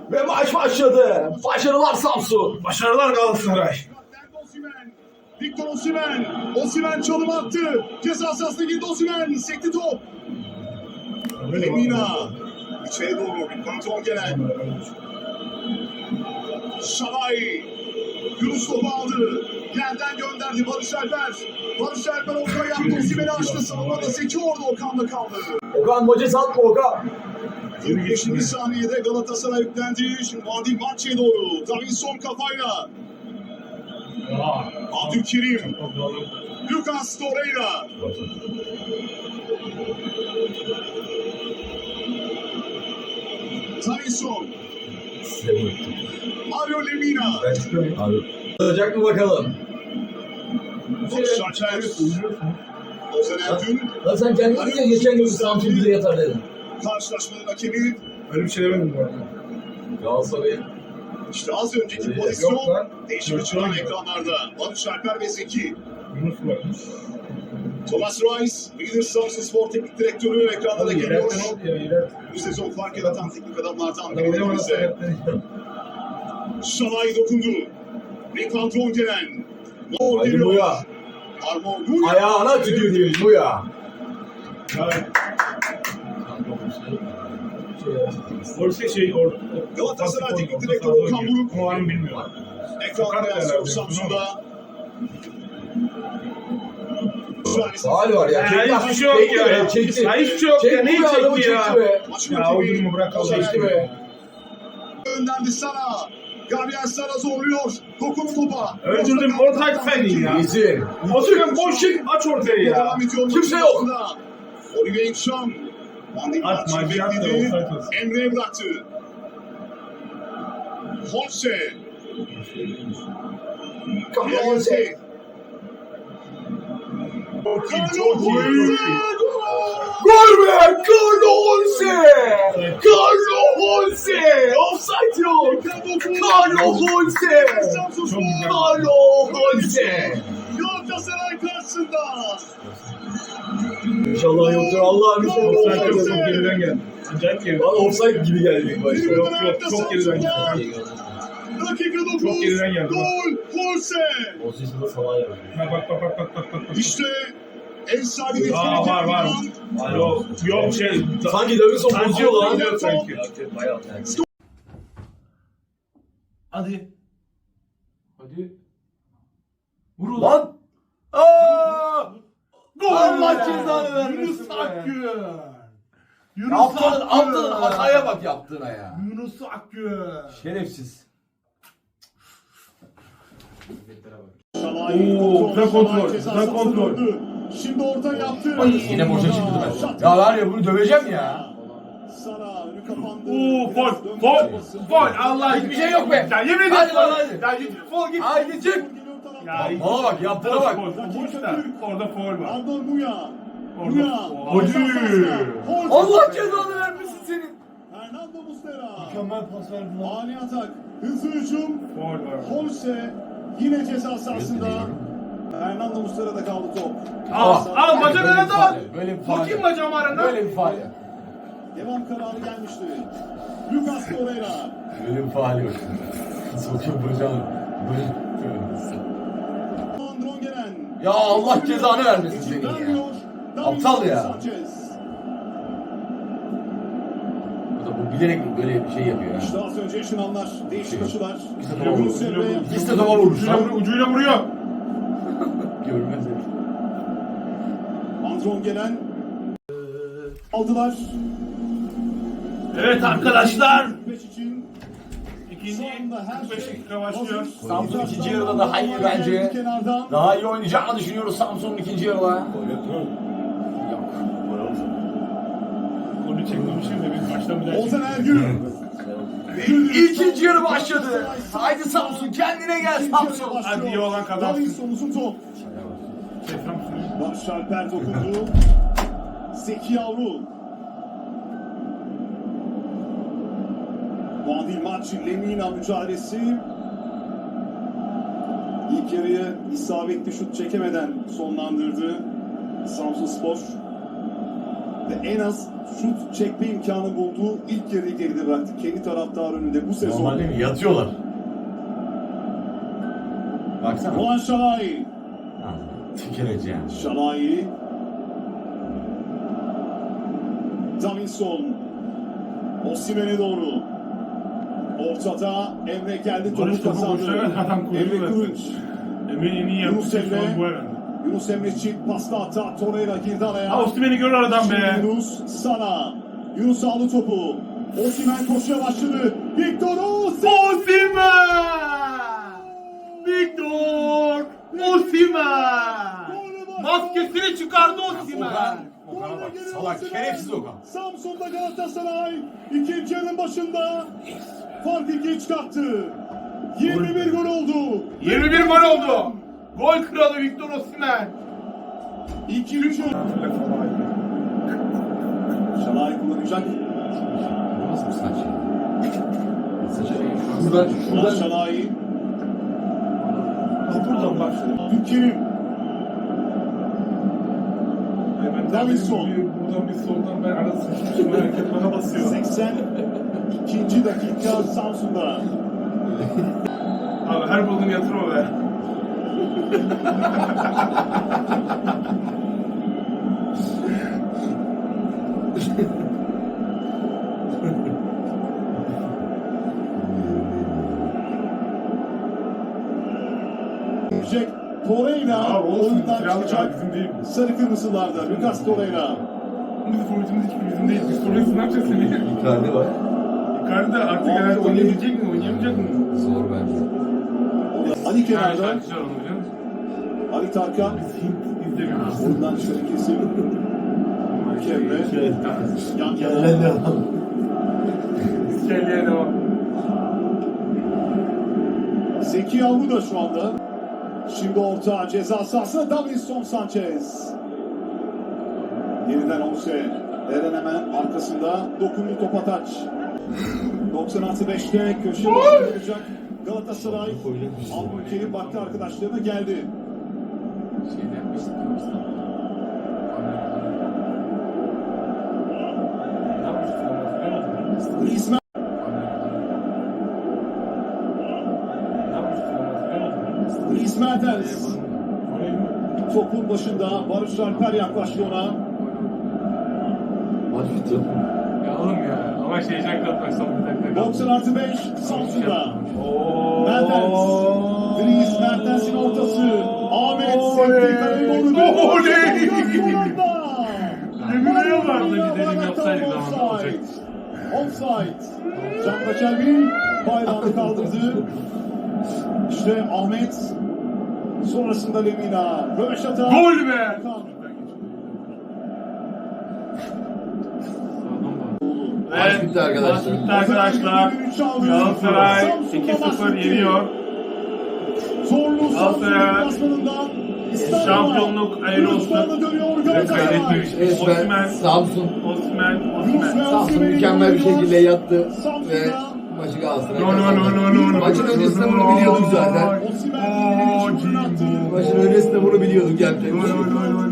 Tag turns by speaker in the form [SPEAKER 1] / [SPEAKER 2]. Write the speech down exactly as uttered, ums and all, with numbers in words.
[SPEAKER 1] Ve maç başladı. Başarılar Samsun.
[SPEAKER 2] Başarılar Galatasaray.
[SPEAKER 3] Victor Osimhen. Osimhen çalım attı. Ceza sahasına girdi Osimhen. Sekti top. Lemina. İçeri doğru bir kontrol gelen. Şalay. Yunus topu aldı. Yerden gönderdi Barış Alper. Barış Alper orta yaptı. Osimhen'i açtı. Savunmada Zeki orada Okan'da kaldı.
[SPEAKER 1] Okan Moces atma Okan.
[SPEAKER 3] kırk beşinci saniyede Galatasaray yüklendi. Şimdi Adil Bahçe'ye doğru. Davinson kafayla. Abdülkerim. Lucas Torreira. Davinson. Mario Lemina.
[SPEAKER 1] Ben çıkıyorum abi. Olacak mı bakalım?
[SPEAKER 3] Barış Alper. Ozan Ergün.
[SPEAKER 1] Lan sen kendin dedin ya geçen gün Samsun bize yatar dedin.
[SPEAKER 3] Karşılaşmanın hakemi.
[SPEAKER 2] Öyle bir şey demedim bu arada.
[SPEAKER 1] Galatasaray'ın
[SPEAKER 3] İşte az önceki
[SPEAKER 2] Yok
[SPEAKER 3] pozisyon.
[SPEAKER 2] lan.
[SPEAKER 3] Değişimi çıkan ekranlarda. Barış Alper ve Zeki.
[SPEAKER 2] Yunus varmış.
[SPEAKER 3] Thomas Reis, Leader Samsun Spor Teknik Direktörü ekranlara geliyor.
[SPEAKER 2] Yerden oldu ya yerden.
[SPEAKER 3] Bu sezon fark yaratan teknik adamlardan
[SPEAKER 2] Adam
[SPEAKER 3] biri
[SPEAKER 2] ne
[SPEAKER 3] ise
[SPEAKER 2] yerden.
[SPEAKER 3] Şalay dokundu. Rekantron gelen. Gol
[SPEAKER 1] Haydi
[SPEAKER 3] geliyor.
[SPEAKER 1] Muya.
[SPEAKER 3] Armor Muya.
[SPEAKER 1] Ayağına tükürdüğüm Muya.
[SPEAKER 2] Orası şey or.
[SPEAKER 3] Galatasaray Teknik Direktörü Okan Buruk.
[SPEAKER 2] O an bilmiyorum.
[SPEAKER 3] Ekranda yazıyor Samsun'da.
[SPEAKER 1] Faal var ya.
[SPEAKER 2] Ya
[SPEAKER 1] Çekti.
[SPEAKER 2] hiçbir şey yok
[SPEAKER 1] Çekti
[SPEAKER 2] ya.
[SPEAKER 1] be, Çekti.
[SPEAKER 2] Ya hiçbir şey yok ya.
[SPEAKER 1] Çekti
[SPEAKER 2] Neyi
[SPEAKER 1] be, adamı
[SPEAKER 2] çekti ya?
[SPEAKER 1] çekti be.
[SPEAKER 3] Maçın
[SPEAKER 2] Ya
[SPEAKER 3] hakemi
[SPEAKER 2] oyunumu bırak Allah
[SPEAKER 3] Ozan
[SPEAKER 1] Çekti
[SPEAKER 2] aşkına.
[SPEAKER 1] be.
[SPEAKER 3] Gönderdi Sara. Gabriel Sara zorluyor. Dokundu topa.
[SPEAKER 2] Öldürdüm ortak feni ya.
[SPEAKER 1] İzin.
[SPEAKER 2] Oturuyorum boş çık aç ortaya ya.
[SPEAKER 3] Devam ediyor.
[SPEAKER 1] Kimse yok.
[SPEAKER 3] Olivier Enşam.
[SPEAKER 2] At maçı at da offside olsun.
[SPEAKER 3] Emre'ye bıraktı. Holse.
[SPEAKER 1] Kalonse.
[SPEAKER 2] Çok iyi,
[SPEAKER 3] Carlo
[SPEAKER 2] çok iyi, çok iyi.
[SPEAKER 1] Gol be! Kalonse! Kalonse! Offside yok! Kalonse!
[SPEAKER 2] Çok güzel.
[SPEAKER 1] Kalonse!
[SPEAKER 3] Galatasaray karşısında.
[SPEAKER 1] İnşallah yoktur Allah'ım. İnşallah
[SPEAKER 2] Offside yok,
[SPEAKER 1] offside
[SPEAKER 2] çok
[SPEAKER 1] yok.
[SPEAKER 2] geriden geldi. Acayip geriden.
[SPEAKER 1] Bana offside gibi geldi ilk başta.
[SPEAKER 2] Yok yok çok geriden geldi.
[SPEAKER 3] Dakika
[SPEAKER 2] Çok
[SPEAKER 3] dokuz.
[SPEAKER 2] geriden geldi.
[SPEAKER 3] Gol. Holse.
[SPEAKER 1] O sesinde sana yapıyor.
[SPEAKER 2] Ha, bak bak bak bak bak bak.
[SPEAKER 3] İşte ev sahibi
[SPEAKER 2] Aa, var var. Yok yok şey.
[SPEAKER 1] Sanki Davinson
[SPEAKER 2] Sanki
[SPEAKER 1] bozuyor lan.
[SPEAKER 2] bozuyor sanki.
[SPEAKER 4] Hadi. Hadi. Vur ulan.
[SPEAKER 1] Lan! Aa!
[SPEAKER 4] Gol
[SPEAKER 1] Allah
[SPEAKER 4] be!
[SPEAKER 1] cezanı vermesin
[SPEAKER 4] Yunus
[SPEAKER 1] be.
[SPEAKER 4] Akgün. Yunus
[SPEAKER 1] Yaptığın,
[SPEAKER 4] Akgün.
[SPEAKER 1] yaptığın hataya bak yaptığına ya.
[SPEAKER 4] Yunus Akgün.
[SPEAKER 1] Şerefsiz.
[SPEAKER 2] Oo, güzel kontrol, güzel kontrol.
[SPEAKER 3] Şimdi orta yaptı.
[SPEAKER 1] Bak yine boşa çıktı ben. Ya var ya bunu döveceğim ya.
[SPEAKER 3] Sara önü kapandı.
[SPEAKER 2] Oo gol gol gol Allah
[SPEAKER 1] Hiçbir şey yok be.
[SPEAKER 2] Ya yemin
[SPEAKER 1] Hadi
[SPEAKER 2] ederim.
[SPEAKER 1] lan hadi.
[SPEAKER 2] Ya git fol git.
[SPEAKER 1] Haydi çık.
[SPEAKER 2] Ya
[SPEAKER 1] Bana bak yaptığına bak.
[SPEAKER 2] Boş da orada foul var.
[SPEAKER 3] Andor Muya.
[SPEAKER 2] Orada
[SPEAKER 3] Muya.
[SPEAKER 2] foul.
[SPEAKER 3] Hadi.
[SPEAKER 1] Allah cezanı vermesin senin.
[SPEAKER 3] Fernando Muslera.
[SPEAKER 4] Mükemmel pas verdi lan.
[SPEAKER 3] Ani atak. Hızlı hücum.
[SPEAKER 2] Foul var.
[SPEAKER 3] Holse yine ceza sahasında. Fernando Muslera'da kaldı top.
[SPEAKER 2] Al al bacağına da al.
[SPEAKER 1] Böyle bir faal.
[SPEAKER 2] Bakayım bacağım arana.
[SPEAKER 1] Böyle bir faal.
[SPEAKER 3] Devam kararı gelmişti. Lucas Torreira.
[SPEAKER 1] Böyle bir faal yok. Sokayım bacağını. Böyle.
[SPEAKER 3] Andron gelen.
[SPEAKER 1] Ya Allah cezanı vermesin senin ya. Aptal ya. Bu da bu bilerek böyle bir şey yapıyor ya.
[SPEAKER 3] İşte az önce yaşananlar, değişik açılar.
[SPEAKER 1] İkisi de topa vurmuş.
[SPEAKER 3] Yunus Emre.
[SPEAKER 1] İkisi de topa vurmuş
[SPEAKER 2] Ucuyla,
[SPEAKER 1] lan.
[SPEAKER 2] vuruyor, ucuyla vuruyor.
[SPEAKER 1] Görmez herif.
[SPEAKER 3] Andron gelen. Aldılar.
[SPEAKER 2] Evet arkadaşlar.
[SPEAKER 3] beş için.
[SPEAKER 2] İkinci
[SPEAKER 3] Sonunda her
[SPEAKER 2] kırk beş
[SPEAKER 3] şey
[SPEAKER 2] dakika başlıyor.
[SPEAKER 3] hazır.
[SPEAKER 1] Samsun ikinci yarıda daha iyi bence.
[SPEAKER 3] Kenardan.
[SPEAKER 1] Daha iyi oynayacağını düşünüyoruz Samsun'un ikinci yarıda. Yok.
[SPEAKER 2] Golü çekmemişim de biz baştan bir daha
[SPEAKER 3] Ozan Ergün.
[SPEAKER 1] İkinci yarı başladı. Haydi Samsun kendine gel Samsun.
[SPEAKER 2] Hadi iyi olan kazansın.
[SPEAKER 3] Davinson uzun top.
[SPEAKER 2] Şey, Samsun.
[SPEAKER 3] Barış Alper dokundu. Zeki Yavru. Muadil maç Lemina mücadelesi. İlk yarıyı isabetli şut çekemeden sonlandırdı Samsun Spor. ve en az şut çekme imkanı bulduğu ilk yarıyı geride bıraktı. Kendi taraftar önünde bu sezon.
[SPEAKER 1] Normal değil mi? Yatıyorlar. Baksana.
[SPEAKER 3] Doğan Şalai.
[SPEAKER 1] Tükeneceğim.
[SPEAKER 3] Şalai. Davinson. Osimhen'e doğru. Ortada Emre geldi.
[SPEAKER 2] Barış
[SPEAKER 3] Topu
[SPEAKER 2] topu boşuna ver,
[SPEAKER 3] kazandı.
[SPEAKER 2] adam koydu
[SPEAKER 3] Emre
[SPEAKER 2] zaten.
[SPEAKER 3] Kılınç.
[SPEAKER 2] Emre'nin en iyi yaptığı
[SPEAKER 3] Yunus
[SPEAKER 2] şey şu an
[SPEAKER 3] Emre.
[SPEAKER 2] bu herhalde.
[SPEAKER 3] Yunus Emre çift pasta hata. Torreira girdi araya.
[SPEAKER 2] Ha Osimhen'i gör aradan be.
[SPEAKER 3] Şimdi Yunus sana. Yunus aldı topu. Osimhen koşuya başladı. Victor Osimhen.
[SPEAKER 2] Osimhen! Victor Osimhen! Maskesini çıkardı Osimhen.
[SPEAKER 1] Okan. Okan'a bak. Salak. Şerefsiz Okan.
[SPEAKER 3] Samsun'da Galatasaray ikinci yarının başında fark ikiye çıkarttı. yirmi bir gol oldu.
[SPEAKER 2] yirmi bir gol oldu. Gol kralı Victor Osimhen.
[SPEAKER 3] İkinci Şalay kullanacak.
[SPEAKER 1] Bu nasıl bir saç ya? Şuradan,
[SPEAKER 3] Şuradan
[SPEAKER 1] şuradan.
[SPEAKER 3] Şalay.
[SPEAKER 2] Buradan bak.
[SPEAKER 3] Türkiye'nin
[SPEAKER 2] Hemen
[SPEAKER 3] Davinson.
[SPEAKER 2] bir- Buradan bir soldan ben arada sıkışmışım. Herkes bana basıyor.
[SPEAKER 3] seksen ikinci dakika Samsun'da.
[SPEAKER 2] Abi her bulduğunu yatırma be.
[SPEAKER 3] Jack Torreira
[SPEAKER 2] Abi olsun.
[SPEAKER 3] oyundan
[SPEAKER 2] Kiralık abi
[SPEAKER 3] çıkacak.
[SPEAKER 2] bizim değil.
[SPEAKER 3] Sarı kırmızılarda Lucas Torreira.
[SPEAKER 2] Bizim forvetimiz hiçbir bizim değil. Biz forvetiz ne yapacağız seni?
[SPEAKER 1] Icardi var.
[SPEAKER 2] Icardi artık herhalde oynayabilecek mi? Oynayamayacak mı?
[SPEAKER 1] Zor bence.
[SPEAKER 3] Ali
[SPEAKER 2] Ha
[SPEAKER 3] kenarda.
[SPEAKER 2] şarkıcılar onu biliyor musun?
[SPEAKER 3] Ali Tarkan.
[SPEAKER 2] Biz Hint izlemiyoruz.
[SPEAKER 3] Ondan dışarı kesim. Kemre. Yan yana.
[SPEAKER 1] Gelen devam.
[SPEAKER 2] Biz kelleye devam.
[SPEAKER 3] Zeki Yavru da şu anda. Şimdi orta ceza sahasına Davinson Sanchez. Yeniden Onse. Eren hemen arkasında dokundu topa taç. doksan artı beşte köşe başı olacak. Galatasaray Abdülkerim baktı arkadaşlarına geldi.
[SPEAKER 2] Şeyde yapmıştık ya. Ne yapmıştık ama hatırlayamadım.
[SPEAKER 3] Griezmann
[SPEAKER 2] Ne yapmıştık ama hatırlayamadım.
[SPEAKER 3] Dries Mertens
[SPEAKER 2] Orayı mı?
[SPEAKER 3] topun başında. Barış Alper yaklaştı ona.
[SPEAKER 1] Maç bitiyor.
[SPEAKER 2] Ya oğlum ya. Ama şey Jack katmak son bir dakika.
[SPEAKER 3] doksan artı beş Samsun'da.
[SPEAKER 2] Ooo.
[SPEAKER 3] Mertens. Dries Mertens'in ortası. Ahmet sekti kaleye doğru.
[SPEAKER 2] Oley!
[SPEAKER 3] Emre'ye
[SPEAKER 2] vardı bir dedim yapsaydık zamanında olacak.
[SPEAKER 3] Offside. Can Kaçerbil bayrağını kaldırdı. İşte Ahmet. Sonrasında Lemina. Röveşata.
[SPEAKER 2] Gol be!
[SPEAKER 1] Maç bitti arkadaşlar.
[SPEAKER 2] Maç bitti arkadaşlar. Galatasaray iki sıfır yeniyor.
[SPEAKER 3] Zorlu
[SPEAKER 2] Galatasaray
[SPEAKER 3] Samsun'dan
[SPEAKER 2] şampiyonluk hayırlı olsun. Ve kaydetmemiş.
[SPEAKER 1] Resmen
[SPEAKER 2] Osimhen,
[SPEAKER 1] Samsun.
[SPEAKER 2] Osimhen, Osimhen.
[SPEAKER 1] Samsun mükemmel bir şekilde yattı ve maçı Galatasaray
[SPEAKER 2] No no no
[SPEAKER 1] kazandı.
[SPEAKER 2] no no no.
[SPEAKER 1] Maçın öncesinde bunu biliyorduk zaten.
[SPEAKER 3] Osimhen
[SPEAKER 2] Oo,
[SPEAKER 3] attı.
[SPEAKER 1] Maçın öncesinde bunu biliyorduk gerçekten.
[SPEAKER 2] No no no no.